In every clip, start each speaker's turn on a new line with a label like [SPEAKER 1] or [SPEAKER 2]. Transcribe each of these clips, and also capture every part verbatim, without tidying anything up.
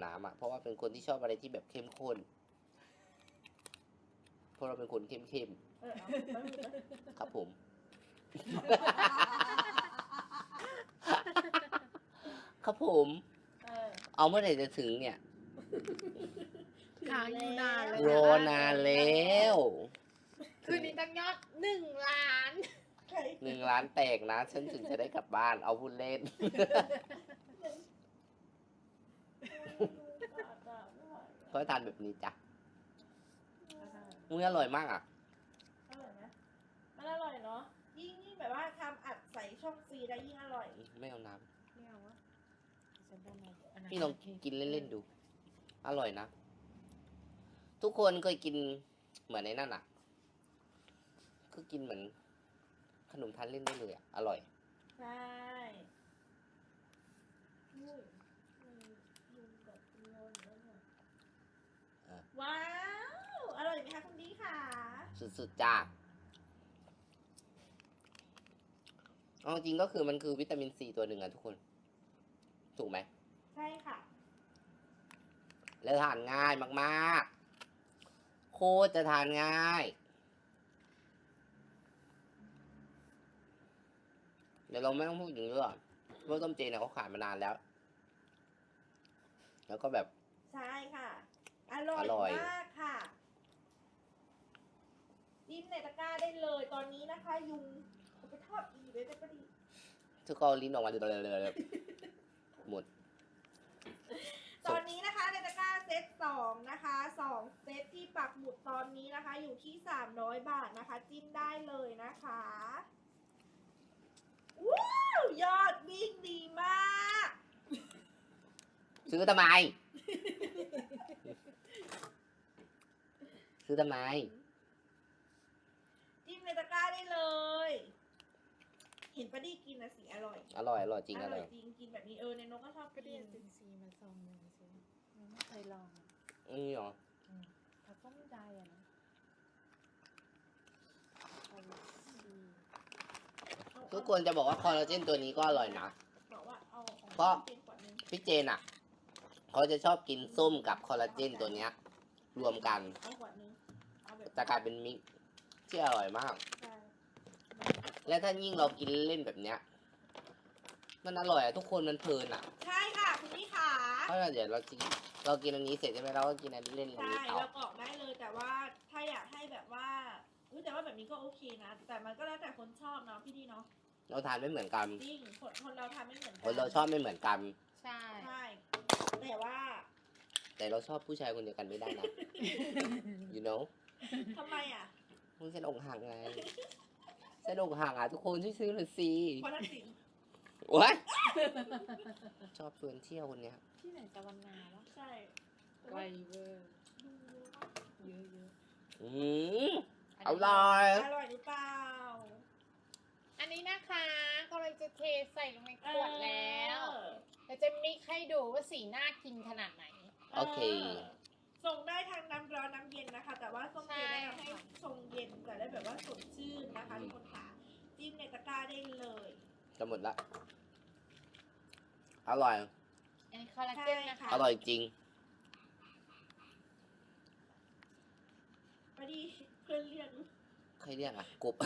[SPEAKER 1] น้ำอ่ะเพราะว่าเป็นคนที่ชอบอะไรที่แบบเข้มข้นเพราะเราเป็นคนเข้มเข้ม
[SPEAKER 2] เออเอาเอาเอา
[SPEAKER 1] ครับผม ครับผม
[SPEAKER 2] เออ
[SPEAKER 1] เอาเมื่อไหร่จะถึงเนี่ย
[SPEAKER 3] หาอยู่นานเลย
[SPEAKER 1] รอนานแล้ว
[SPEAKER 3] คืนนี้ตั้งยอดหนึ่งล้าน
[SPEAKER 2] ใคร
[SPEAKER 1] หนึ่งล้านแตกนะ ฉันถึงจะได้กลับบ้านเอาพูดเล่น ก็ทานแบบนี้จ้ะมันอร่อยมากอ่ะ
[SPEAKER 2] อร่อยไหมมันอร่อยเนาะยิ่งยิ่งแบบว่าทำอัดใส่ช่องฟรีได้ยิ่งอร่อย
[SPEAKER 1] ไม่เอาน้
[SPEAKER 3] ไม่เอาวะฉันได้ไหมอันนั้น
[SPEAKER 1] ำพี่ลองกินเล่นๆดู อร่อยนะ ทุกคนเคยกินเหมือนในนั่นอ่ะ คือกินเหมือน ขนมทานเล่นได้เลยอ่ะ อร่อย
[SPEAKER 2] ใช่อุ้ยมันยุงกับโยนอยู่แล้วเนี่ย
[SPEAKER 1] อ่ะ
[SPEAKER 2] ว้าว อร่อยไหมคะคุณดีค่ะ
[SPEAKER 1] สุดๆจ้าเอาจริงก็คือมันคือวิตามินซีตัวหนึ่งอะทุกคน ถูกไหม
[SPEAKER 2] ใช่ค่ะ
[SPEAKER 1] แล้วทานง่ายมากๆ โคตรจะทานง่าย เดี๋ยวเราไม่ต้องพูดถึงเรื่องเพราะต้มเจเนี่ยเขาขายมานานแล้ว แล้วก็แบบ
[SPEAKER 2] ใช่ค่ะ อร่อย
[SPEAKER 1] อร่อย
[SPEAKER 2] มากค่ะจิ้มในตะกร้าได้เลยตอนนี้นะคะ ยุงเอาไปทอดอีกเลยได้ปะดิ
[SPEAKER 1] ทุกคนลิ้นออกมาเลยหมด
[SPEAKER 2] ตอนนี้นะคะในตะกร้าเซตสองนะคะสองเซตที่ปักหมุดตอนนี้นะคะ อยู่ที่สามร้อยบาทนะคะ จิ้มได้เลยนะคะว้าวยอดวิ่งดีมาก
[SPEAKER 1] ซื้อทำไม ซื้อทำไม
[SPEAKER 2] จิ้มในตะกร้าได้เลย เห็นปะดิกินนะสิอร่อย
[SPEAKER 1] อร่อย อร่อยจริง
[SPEAKER 2] อ
[SPEAKER 1] อ
[SPEAKER 2] ร่
[SPEAKER 1] ร่
[SPEAKER 2] อ
[SPEAKER 1] อย ย
[SPEAKER 2] จริงกินแบบนี้เออในนกก็ชอบ
[SPEAKER 3] ก็
[SPEAKER 2] กิ
[SPEAKER 3] เรีย
[SPEAKER 2] น
[SPEAKER 3] นเป็นซีมาซองหนึ่งสิยังไม่เคยลองอะ
[SPEAKER 1] นี่หรอ
[SPEAKER 3] อืมแต่ก็ไม่ได้อะนะเอาดี
[SPEAKER 1] ทุกคนจะบอกว่าคอลลาเจนตัวนี้ก็อร่อยนะ
[SPEAKER 2] บอกว่าเอาของ
[SPEAKER 1] เพราะ
[SPEAKER 2] เจนขวดนึง
[SPEAKER 1] พี่เจนอ่ะ เขาจะชอบกินส้มกับคอลลาเจนตัวเนี้ย รวมกัน
[SPEAKER 2] เอาขวดนึงเอาแบบ
[SPEAKER 1] จะกลายเป็นมิกซ์ที่อร่อยมาก
[SPEAKER 2] ใช่
[SPEAKER 1] และถ้ายิ่งเรากินเล่นแบบเนี้ย มันอร่อยอะทุกคนมันเพลินอะ
[SPEAKER 2] ใช่ค่ะคุณพี่ขา
[SPEAKER 1] เพราะเดี๋ยวเรากินเรากินอันนี้เสร็จใช่ไหมเราก็กินอันนี้เล่นอัน
[SPEAKER 2] ใช่
[SPEAKER 1] นี้ต่อ
[SPEAKER 2] เรากรอกได้เลยแต่ว่าถ้าอยากให้แบบว่าอุ๊ยแต่ว่าแบบนี้ก็โอเคนะ แต่มันก็แล้วแต่คนชอบเนาะพี่ดีเนาะ
[SPEAKER 1] เราทานไม่เหมือนกัน
[SPEAKER 2] จริงคนคนเราทำไม่เหมือนกั
[SPEAKER 1] คนเราชอบไม่เหมือนกัน
[SPEAKER 3] ๆใช่
[SPEAKER 2] ใช่แต่ว่า
[SPEAKER 1] แต่เราชอบผู้ชายคนเดียวกันไม่ได้นะ you know
[SPEAKER 2] ทำไมอ่ะ
[SPEAKER 1] มึงเส้นอกหักไงเส้นอกหักอ่ะทุกคนช่วยซื้อหน่อยสิ
[SPEAKER 2] เพราะทักษิณ
[SPEAKER 1] โอ๊ยชอบชวนเที่ยวคนเนี้ย
[SPEAKER 3] ที่ไหนจะวันนาวะ
[SPEAKER 2] ใช่
[SPEAKER 3] ไวเวอร์เยอะเยอะ
[SPEAKER 1] อืม
[SPEAKER 3] ๆ
[SPEAKER 1] อร่อย
[SPEAKER 2] อร่อยหรือเปล่า
[SPEAKER 3] อันนี้นะคะกำลังจะเทใส่ลงในขวดแล้ว
[SPEAKER 2] เออ
[SPEAKER 3] เราจะมิกให้ดูว่าสีน่ากินขนาดไหน
[SPEAKER 1] โอเค
[SPEAKER 2] ส่งได้ทางน้ำร้อนน้ำเย็นนะคะ แต่ว่าส้มเจ
[SPEAKER 3] ใช่
[SPEAKER 2] แนะนำให้ชงเย็นแต่ได้แบบว่าสดชื่นนะคะทุกคนค่ะจิ้มในตะกร้าได้เลย
[SPEAKER 1] จะหมดละ อร่อย
[SPEAKER 3] อันนี้คอลลาเจนนะคะ
[SPEAKER 1] อร่อยจริง
[SPEAKER 2] พอดีเพื่อนเรียก
[SPEAKER 1] ใครเรียกอ่ะกบ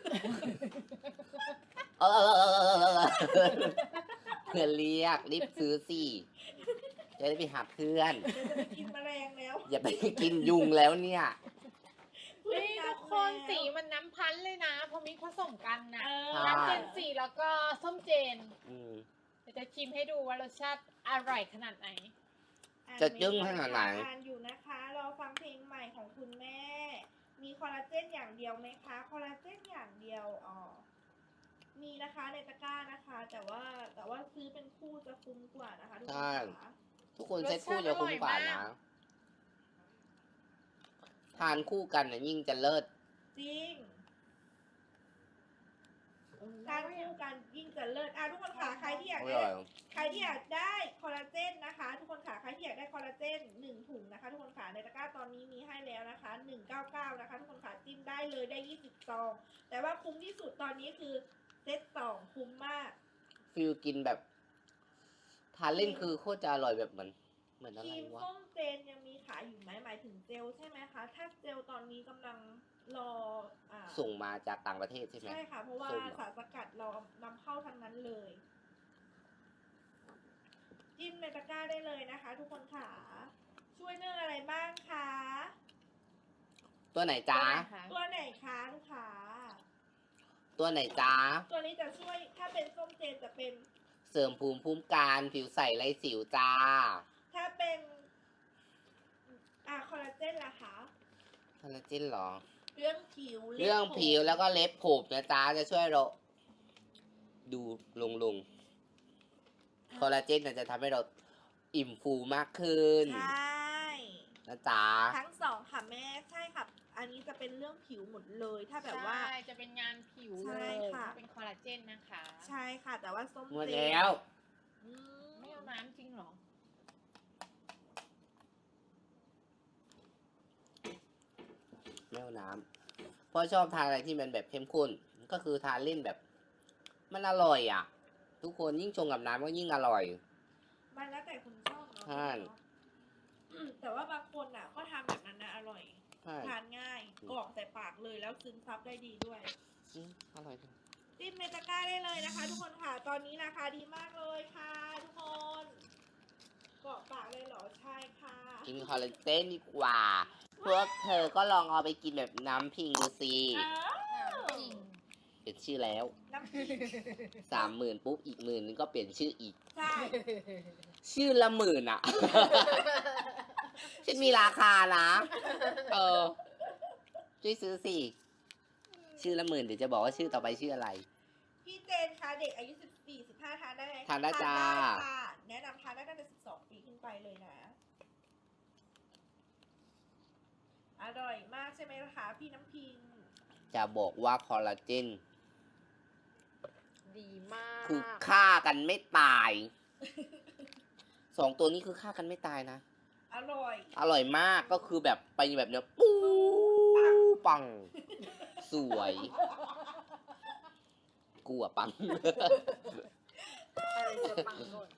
[SPEAKER 1] เออเออเออเออเออเพื่อนเรียกรีบซื้อสิจะได้ไปหาเพื่อน
[SPEAKER 2] เดี๋ยวจะไปกินแมลงแล้ว
[SPEAKER 1] อย่าไปกินยุงแล้วเนี่ย
[SPEAKER 3] นี่ทุกคนสีมันน้ำพันธุ์เลยนะพอมิกผสมกันนะ
[SPEAKER 2] เออ
[SPEAKER 1] ใช่
[SPEAKER 3] น้ำเจนสีแล้วก็ส้มเจน
[SPEAKER 1] อืม
[SPEAKER 3] เดี๋ยวจะชิมให้ดูว่ารสชาติอร่อยขนาดไหน
[SPEAKER 1] จะจึ้งขนาดไหน
[SPEAKER 2] อ่านอยู่นะคะรอฟังเพลงใหม่ของคุณแม่ มีคอลลาเจนอย่างเดียวไหมคะ คอลลาเจนอย่างเดียวอ๋อมีนะคะในตะกร้านะคะ แต่ว่าแต่ว่าซื้อเป็นคู่จะคุ้มกว่านะคะทุกคนค่ะ
[SPEAKER 1] ทุกคนเซ็ตคู่จะคุ้มกว่านะ ทานคู่กันน่ะยิ่งจะเลิศ
[SPEAKER 2] จริงการคู่กันยิ่งจะเลิศอ่ะทุกคนค่ะใครที่อยาก
[SPEAKER 1] อ
[SPEAKER 2] ได้
[SPEAKER 1] ร่อย
[SPEAKER 2] ใครที่อยากได้คอลลาเจนนะคะ ทุกคนค่ะใครที่อยากได้คอลลาเจนหนึ่งถุงนะคะ ทุกคนค่ะในตะกร้าตอนนี้มีให้แล้วนะคะหนึ่งเก้าเก้านะคะ ทุกคนค่ะจิ้มได้เลยได้ยี่สิบซองแต่ว่าคุ้มที่สุดตอนนี้คือเซตสองคุ้มมาก
[SPEAKER 1] ฟิลกินแบบ ทานเล่นคือโคตรจะอร่อยแบบเหมือนเหมือน
[SPEAKER 2] ค
[SPEAKER 1] อะไร
[SPEAKER 2] รีม
[SPEAKER 1] วะ
[SPEAKER 2] ส้มเจนยังมีขายอยู่ไหมหมายถึงเจลใช่ไหมคะ ถ้าเจลตอนนี้กำลังรออ่า
[SPEAKER 1] ส่งมาจากต่างประเทศใช่ไหม
[SPEAKER 2] ใช่ค่ะ เพราะว่า
[SPEAKER 1] ส้มเหรอ
[SPEAKER 2] สารสกัดเรานำเข้าทั้งนั้นเลย จิ้มในตะกร้าได้เลยนะคะ ทุกคนค่ะ ช่วยเรื่องอะไรบ้างคะ
[SPEAKER 1] ตัวไหนจ้า
[SPEAKER 2] ตัวไหนคะลูกค้า
[SPEAKER 1] ตัวไหนจ้า
[SPEAKER 2] ตัวนี้จะช่วยถ้าเป็นส้มเจนจะเป็น
[SPEAKER 1] เสริมภูมิคุ้มกันผิวใสไร้สิวจ้า
[SPEAKER 2] ถ้าเป็นอ่าคอลลาเจนล่ะคะ
[SPEAKER 1] คอลลาเจนเหรอ
[SPEAKER 2] เรื่องผิวล็บ
[SPEAKER 1] เรื่องผิวแล้วก็เล็บผมนะจ๊ะจะช่วยเราดูลงลงคอลลาเจนน่ะจะทำให้เราอิ่มฟูมากขึ้น
[SPEAKER 2] ใช่
[SPEAKER 1] นะจ๊ะ
[SPEAKER 2] ทั้งสองค่ะแม่ใช่ค่ะ อันนี้จะเป็นเรื่องผิวหมดเลย ถ้าแบบว่า
[SPEAKER 3] ใช่จะเป็นงานผิว
[SPEAKER 2] ใช่
[SPEAKER 3] เลย
[SPEAKER 2] ค่ะ
[SPEAKER 3] เป็นคอลลาเจนนะคะ
[SPEAKER 2] ใช่ค่ะ แต่ว่าส้ม
[SPEAKER 1] หมด
[SPEAKER 2] เจน
[SPEAKER 1] แล้ว
[SPEAKER 2] อืม
[SPEAKER 3] ไม่เอาน้ำจริงเหรอ
[SPEAKER 1] ไม่เอาน้ำเพราะชอบทานอะไรที่มันแบบเข้มข้น ก็คือทานเล่นแบบ มันอร่อยอ่ะ ทุกคนยิ่งชงกับน้ำก็ยิ่งอร่อย
[SPEAKER 2] มันแล้วแต่คุณชอบเนาะ
[SPEAKER 1] ใช่
[SPEAKER 2] อืมแต่ว่าบางคนอ่ะ ก็ทำแบบนั้นนะอร่อย
[SPEAKER 1] ใช่
[SPEAKER 2] ทานง่ายกรอกใส่ปากเลยแล้วซึมซับได้ดีด้วย
[SPEAKER 1] อืมอร่อยจัง
[SPEAKER 2] จิ้มในตะกร้าได้เลยนะคะ ทุกคนค่ะ ตอนนี้ราคาดีมากเลยค่ะ ทุกคนกรอกปากเลยเหรอใช่ค่ะ
[SPEAKER 1] กินคอลลาเจนดีกว่า พวกเธอก็ลองเอาไปกินแบบน้ำพิงดูสิ
[SPEAKER 2] อ้าว
[SPEAKER 3] จริง
[SPEAKER 1] เปลี่ยนชื่อแล้ว
[SPEAKER 2] น้ำพริก
[SPEAKER 1] สามหมื่นปุ๊บอีกหมื่นนึงก็เปลี่ยนชื่ออีก
[SPEAKER 2] ใช่
[SPEAKER 1] ชื่อละหมื่นอ่ะ ฉันมีราคานะ เออ ช่วยซื้อสิ ชื่อละหมื่นเดี๋ยวจะบอกว่าชื่อต่อไปชื่ออะไร
[SPEAKER 2] พี่เจนคะเด็กอายุสิบสี่ สิบห้าทานได้ไหม
[SPEAKER 1] ทานได้จ้า
[SPEAKER 2] ค่ะแนะนำทานได้ตั้งแต่สิบสองปีขึ้นไปเลยนะ อร่อยมากใช่ไหมล่ะคะพี่น้ำพิง
[SPEAKER 1] จะบอกว่าคอลลาเจน
[SPEAKER 3] ดีมาก
[SPEAKER 1] คือฆ่ากันไม่ตาย สองตัวนี้คือฆ่ากันไม่ตายนะ
[SPEAKER 2] อร่อย
[SPEAKER 1] อร่อยมากก็คือแบบไปแบบเนี้ยปูปัง สวยกูอะปัง
[SPEAKER 3] อะไรจะปังก่อน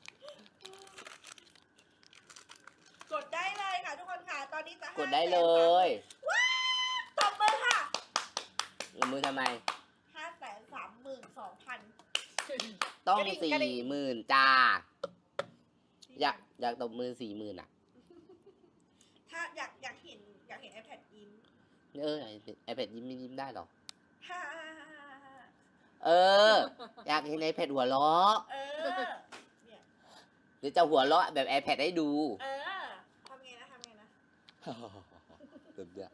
[SPEAKER 2] กดได้เลยค่ะทุกคนค่ะ ตอนนี้จะ
[SPEAKER 1] กดได้เลย
[SPEAKER 2] ตบมือค่ะ
[SPEAKER 1] มือทำไม
[SPEAKER 2] ห้าแสนสามหมื่นสองพัน
[SPEAKER 1] ต้องสี่หมื่นจ้า อยากอยากตบมือสี่หมื่นอ่ะ
[SPEAKER 2] ถ้าอยากอยากเห็นอยากเห็น iPad ยิ้ม
[SPEAKER 1] เออไอแพดยิ้มไม่ยิ้มได้หรอ
[SPEAKER 2] ฮ่า
[SPEAKER 1] เออ อยากเห็นไอแพดหัวเราะ
[SPEAKER 2] เออ เนี่ย
[SPEAKER 1] เดี๋ยวจะหัวเราะแบบ iPad ให้ดู
[SPEAKER 2] เออทำไงนะทำไงนะ
[SPEAKER 1] แบบเนี้ย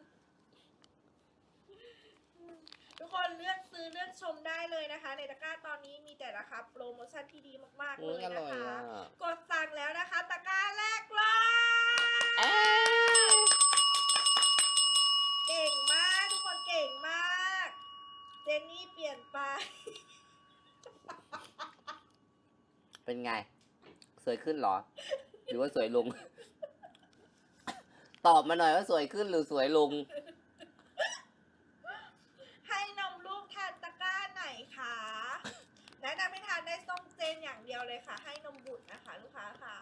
[SPEAKER 2] ทุกคนเลือกซื้อเลือกชมได้เลยนะคะ ในตะกร้าตอนนี้มีแต่ราคาโปรโมชั่นที่ดีมากๆ
[SPEAKER 1] อื
[SPEAKER 2] เล
[SPEAKER 1] ม
[SPEAKER 2] ย
[SPEAKER 1] อร่
[SPEAKER 2] นะ
[SPEAKER 1] อย
[SPEAKER 2] คะ
[SPEAKER 1] อ่ะ
[SPEAKER 2] กดสั่งแล้วนะคะ ตะกร้าแรกเลย
[SPEAKER 1] เอ้ย
[SPEAKER 2] เก่งมากทุกคนเก่งมาก เจนนี่เปลี่ยนไป
[SPEAKER 1] เป็นไง สวยขึ้นเหรอ หรือว่าสวยลง ตอบมาหน่อยว่าสวยขึ้นหรือสวยลง
[SPEAKER 2] ให้นมลูกทานตะกร้าไหนคะแนะนำให้ทานได้ส้มเจนอย่างเดียวเลยค่ะ ให้นมบุตรนะคะ ลูกค้าค่ะ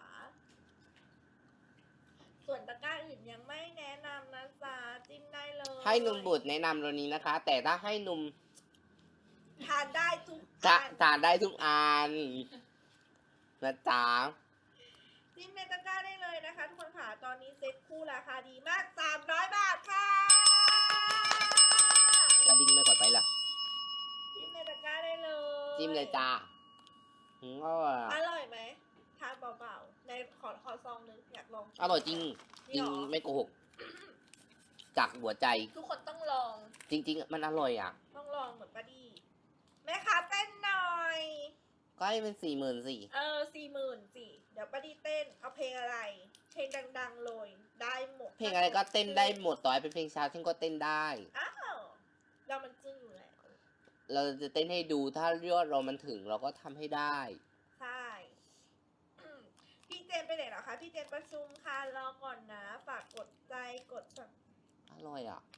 [SPEAKER 2] ส่วนตะกร้าอื่นยังไม่แนะนำนะจ๊ะจิ้มได้เลย
[SPEAKER 1] ให้นมบุตรแนะนำตัวนี้นะคะ แต่ถ้าให้นม
[SPEAKER 2] ทานได้ทุก
[SPEAKER 1] จะ
[SPEAKER 2] อัน
[SPEAKER 1] ทานได้ทุกอันนะจ๊ะ
[SPEAKER 2] จิ้มในตะกร้าได้เลยนะคะ ทุกคนค่ะ ตอนนี้เซ็ตคู่ราคาดีมากสามร้อยบาทค่ะ
[SPEAKER 1] กระดิ่งไม่กดไปล่ะ
[SPEAKER 2] จิ้มในตะกร้าได้เลย
[SPEAKER 1] จิ้มเลยจ้าอืมอร่อย
[SPEAKER 2] อ
[SPEAKER 1] อะ
[SPEAKER 2] ร่อยไหมทานเบาๆในขอขอซองนึงอยากลอง
[SPEAKER 1] อร่อยจริง จริง
[SPEAKER 2] เหอ
[SPEAKER 1] ไม่โกหก จากหัวใจ
[SPEAKER 2] ทุกคนต้องลอง
[SPEAKER 1] จริง ๆ มันอร่อยอ่ะ
[SPEAKER 2] ต้องลองเหมือนป้าดีแม่ค้าเต้นหน่อย
[SPEAKER 1] ก็ให้เป็นสี่หมื่นสี่
[SPEAKER 2] เออสี่หมื่นสี่เดี๋ยวป้าดีเต้น เอาเพลงอะไร เพลงดังๆเลย ได้หมด
[SPEAKER 1] เพลงอะไรก็เต้นได้หมดต่อให้เป็นเพลงช้าฉันก็เต้นได้
[SPEAKER 2] อ้าวเรามันจึ้งอยู่แล้ว
[SPEAKER 1] เราจะเต้นให้ดูถ้ายอดเรามันถึงเราก็ทำให้ได้
[SPEAKER 2] ใช่ อืมพี่เจนไปไหนเหรอคะพี่เจนประชุมค่ะรอก่อนนะ ฝากกดใจกดสั่ง
[SPEAKER 1] อร่อยอ่ะ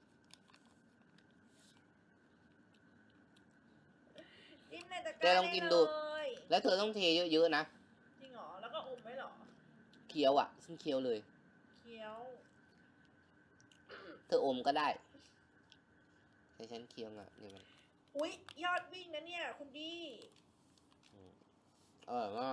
[SPEAKER 2] จิ้มในตะก
[SPEAKER 1] แก
[SPEAKER 2] ร้า
[SPEAKER 1] ลองกินดู
[SPEAKER 2] เลย
[SPEAKER 1] แล้วเธอต้องเทเยอะๆนะ
[SPEAKER 2] จริงเหรอแล้วก็อมไว้เหรอ
[SPEAKER 1] เคคี้ยวอ่ะฉันเคี้ยวเลย
[SPEAKER 2] เคี้ยว
[SPEAKER 1] เธออมก็ได้แต่ฉันเคี้ยวอ่ะนี่มัน
[SPEAKER 2] อุ๊ย ยอดวิ่งนะเนี่ย คุณดี
[SPEAKER 1] อร่อยมาก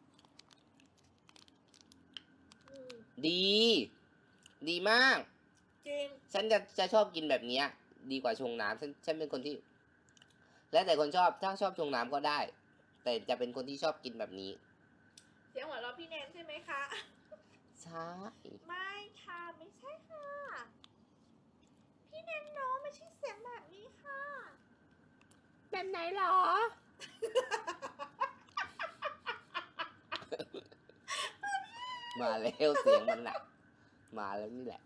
[SPEAKER 2] อืม
[SPEAKER 1] ดี ดีมาก
[SPEAKER 2] จริง
[SPEAKER 1] ฉันจะจะชอบกินแบบเนี้ย ดีกว่าชงน้ำฉันฉันเป็นคนที่ แล้วแต่คนชอบถ้าชอบชงน้ำก็ได้ แต่จะเป็นคนที่ชอบกินแบบนี้
[SPEAKER 2] เสียงหัวเราะพี่แนนใช่ไหมคะ
[SPEAKER 1] ใช่
[SPEAKER 2] ไม่ค่ะ ไม่ใช่ค่ะ พี่แนนน้องไม่ใช่เสียงแบบนี้ค่ะ
[SPEAKER 3] แบบไหนหรอ
[SPEAKER 1] มาแล้วเสียงมันน่ะ มาแล้วนี่แหละ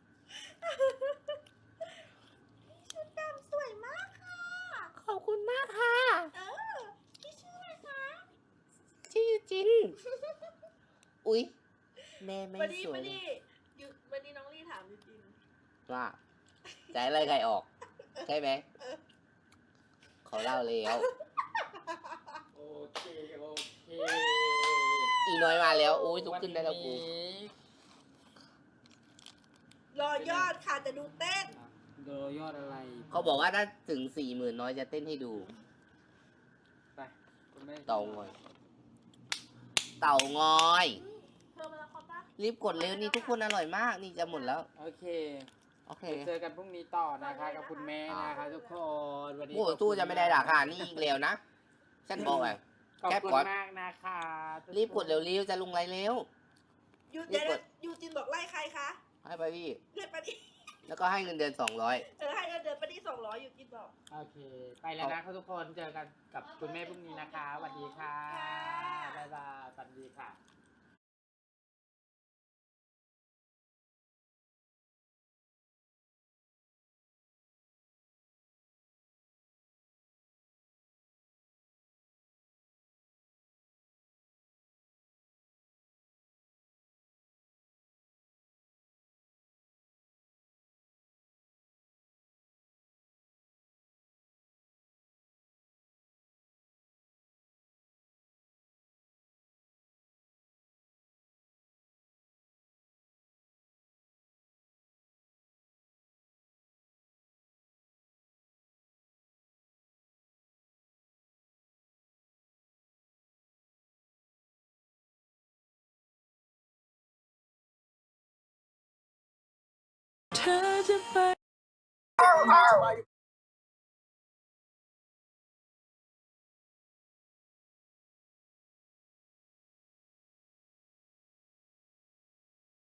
[SPEAKER 2] ชุดดำสวยมากค่ะ
[SPEAKER 3] ขอบคุณมากค่ะ
[SPEAKER 2] เออ พี่ชื่ออะไรคะ
[SPEAKER 3] ชื่อจิน
[SPEAKER 1] อุ๊ย แม่ไม่
[SPEAKER 2] วันนี้
[SPEAKER 1] สว
[SPEAKER 2] วั
[SPEAKER 1] ย
[SPEAKER 2] น
[SPEAKER 1] เลย
[SPEAKER 2] นี้อยู่วันนี้น้องลี่ถามจริง
[SPEAKER 1] ว่าใจอะไรใครออก ใช่ไหมเขาเล่าแล้ว
[SPEAKER 4] โอเค โอเค
[SPEAKER 1] อีน้อยมาแล้วโอ้ยลุกขึ้นได้แล้วกู
[SPEAKER 4] วันนี้
[SPEAKER 2] ๆรอยอดค่ะจะดูเต้น
[SPEAKER 4] โดยยอดอะไร
[SPEAKER 1] เขาบอกว่าถ้าถึงสี่หมื่นน้อยจะเต้นให้ดู
[SPEAKER 4] ไปคุณแม่
[SPEAKER 1] เต่างอย เต่างอย
[SPEAKER 2] เธอมาละครปะ
[SPEAKER 1] รีบกดเร็วนี่ทุกคนอร่อยมาก นี่จะหมดแล้ว
[SPEAKER 4] โอเค
[SPEAKER 1] โอเค
[SPEAKER 4] เดี๋ยวเจอกันพรุ่งนี้ต่อนะคะกับคุณแม่นะคะทุกคนวันนี้
[SPEAKER 1] โอ้ตู้จะไม่ได้ราคานี่อีกแล้วนะ ฉันบอกอ่ะ
[SPEAKER 4] ขอบ
[SPEAKER 1] แค่
[SPEAKER 4] คุณ
[SPEAKER 1] กด
[SPEAKER 4] มากนะคะทุคน
[SPEAKER 1] รีบกดเร็วๆจะลงไรเร็ว
[SPEAKER 2] ยู
[SPEAKER 1] รี
[SPEAKER 2] เจ
[SPEAKER 1] บกด
[SPEAKER 2] ยูจินบอกไล่ใครคะ
[SPEAKER 1] ให้ไปพี่
[SPEAKER 2] เดือนปดี
[SPEAKER 1] แล้วก็ให้เงินเดือนสองร้อย
[SPEAKER 2] เออให้เงินเดือนปดีสองร้อยยูจินบอก
[SPEAKER 4] โอเค ไปแล้วนะคะทุกคนเจอกันกับคุณแม่พรุ่งนี้นะคะสวัสดีค่ะ
[SPEAKER 2] ค่ะ
[SPEAKER 4] บ๊ายบายสวัสดีค่ะ